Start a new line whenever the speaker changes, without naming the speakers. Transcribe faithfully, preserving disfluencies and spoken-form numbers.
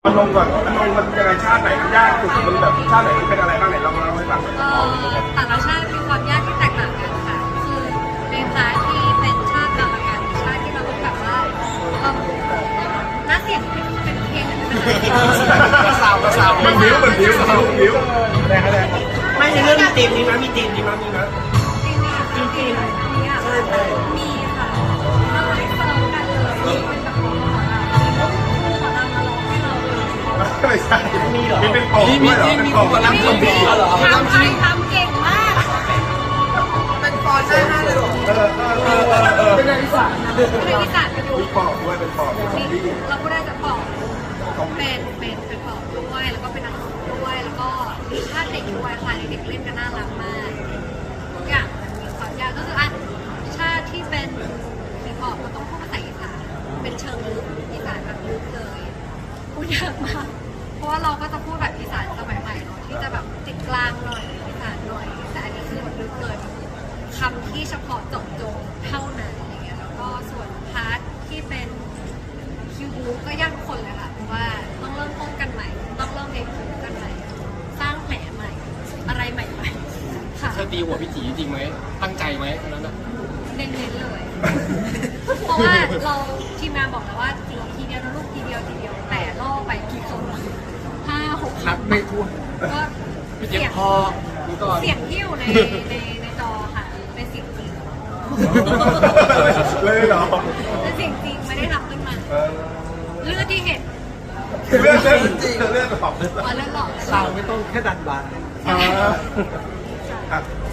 มันลงก่อนมันลงมันยังไงชาติไหนมันยากสุดมันแบบชาติไหนมันเป็นอะไรบ้างไหนลองเล่าให้ฟังหน่อย
เอ่อแต่ละชาติมีความยากที่แตกต่างกันค่ะคือในพาร์ทที่เป็นชาติกรรมการชาติที่เราต้องแบบว่าเอ่อน่าเสียงเป็นเป็นเพลงเป็นอะไร
สาวสาวมันบิ้วมันบิ้วมันบิ้วแรงแรงไม่ในเรื่องมีธีมนี้มั้ยมีธีมนี้มั้ยมีมั้ย
จริงๆจริงๆมีอ่ะมีค่ะเราเลยเติมกันเลยมีเป็นแบบของเราคู่ของเรามาร้องให้เราเลย
ไม่ใช่มีเหรอมีเป็นปอกด้วยเหรอเป็นปอก
ทำไทยทำเก่งมาก
เป็นฟอนต์ได้ห้าเลยหรอ
เออเออเออเออ
เป็นอะไรที่สาม
เป็นวิสานกันอยู่
มีปอกด้วยเป็นปอกเป็นของดี
เราก็ได้จะปอกเป็นเป็นเป็นปอกด้วยแล้วก็เป็นนักด้วยแล้วก็มีชาติเด็กด้วยค่ะเด็กๆเล่นกันน่ารักมากทุกอย่างมันมีความยากก็คืออ่ะชาติที่เป็นฮิปฮอปมันต้องพูดภาษาอีสานเป็นเชิงลึกอีสานแบบลึกเลยพูดยากมากเพราะว่าเราก็จะพูดแบบอีสานสมัยใหม่เนาะที่จะแบบติดกลางหน่อยอีสานหน่อยแต่อันนี้คือแบบลึกเลยแบบคำที่เฉพาะเจาะจงเท่านั้นอะไรเงี้ยแล้วก็ส่วนพาร์ทที่เป็นคิวบูก็ยากทุกคนเลยค่ะเพราะว่าต้องเริ่มต้นกันใหม่ต้องเริ่มเรียนรู้กันใหม่สร้างแผลใหม่อะไรใหม่ๆค่ะ
เธอตีหัวพี่จีจริงไหมตั้งใจไหมตอนนั้นอะ
เน้นๆเลย เพราะว่าเราทีมงานบอกแล้วว่าจีทีเดียวนะลูกทีเดียวทีเดียวแต่ล่อไปกี่คนห้าหก
นับไม่ถ้วน
ก็
พี่
เสี
เจ็บ
ยง
พอนี่ก่อน
เสียงที่อยู่ในในในจอค่ะเป็นเสียงจริง
เลยเหรอ
เป็นเสียงจริงไม่ได้ทำขึ้นมา
เออ
เลือดที่เห็น
เลือดเลือดจริงเลือดกระป๋องเลือด
ว่าเลือดหลอก
สาวไม่ต้องแค่ดันบาน
อ่าอ่ะ